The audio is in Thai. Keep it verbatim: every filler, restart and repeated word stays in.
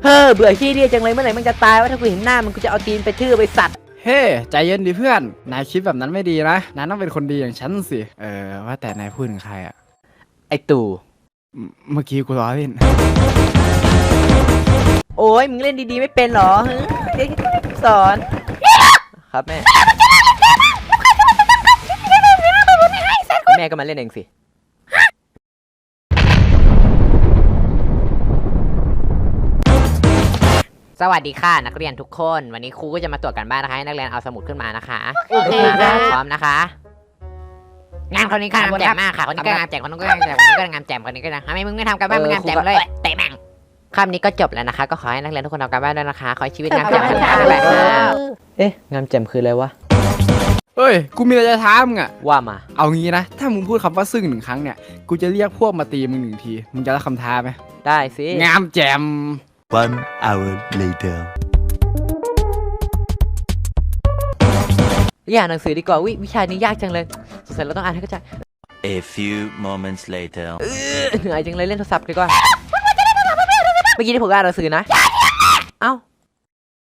เฮ้อเบื่อขี้เรียจังเลยเมื่อไหร่มึงจะตายว่าถ้ากูเห็นหน้ามึงกูจะเอาตีนไปทื่อไปสัตว์เฮ้ใจเย็นดิเพื่อนนายคิดแบบนั้นไม่ดีนะนายต้องเป็นคนดีอย่างฉันสิเออว่าแต่นายพูดถึงใครอะไอตู่เมื่อกี้กูล้อเล่นโอ้ยมึงเล่นดีๆไม่เป็นหรอเดี๋ยวสอนครับแม่แม่ก็มาเล่นเองสิสวัสดีค่ะนักเรียนทุกคนวันนี้ครูก็จะมาตรวจการบ้านนะคะให้นักเรียนเอาสมุดขึ้นมานะคะโอเคพร้อมนะคะงานคนนี้งานแจ่มมากค่ะคนนี้ก็งานแจ่มคนนี้ก็งานแจ่มคนนี้ก็งานแจ่มคนนี้ก็ทำไมมึงไม่ทำการบ้านมึงงานแจ่มเลยเตะแม่งคำนี้ก็จบแล้วนะคะก็ขอให้นักเรียนทุกคนทำการบ้านด้วยนะคะขอให้ชีวิตงานแจ่มด้วยค่ะเอ๊ะงานแจ่มคืออะไรวะเฮ้ยกูมีอะไรจะถามมึงอะว่ามาเอางี้นะถ้ามึงพูดคำว่าซึ่งหนึ่งครั้งเนี่ยกูจะเรียกพวกมาตีมึงหนึ่งทีมึงจะรับคำท้าไหมได้สิงามแจ่ม One hour later เรียนอ่านหนังสือดีกว่าวิวิชานี้ยากจังเลยสงสัยเราต้องอ่านให้เข้าใจ A few moments later เหนื่อยจังเลยเล่นโทรศัพท์ดีกว่าเมื่อกี้ที่ผมอ่านหนังสือนะ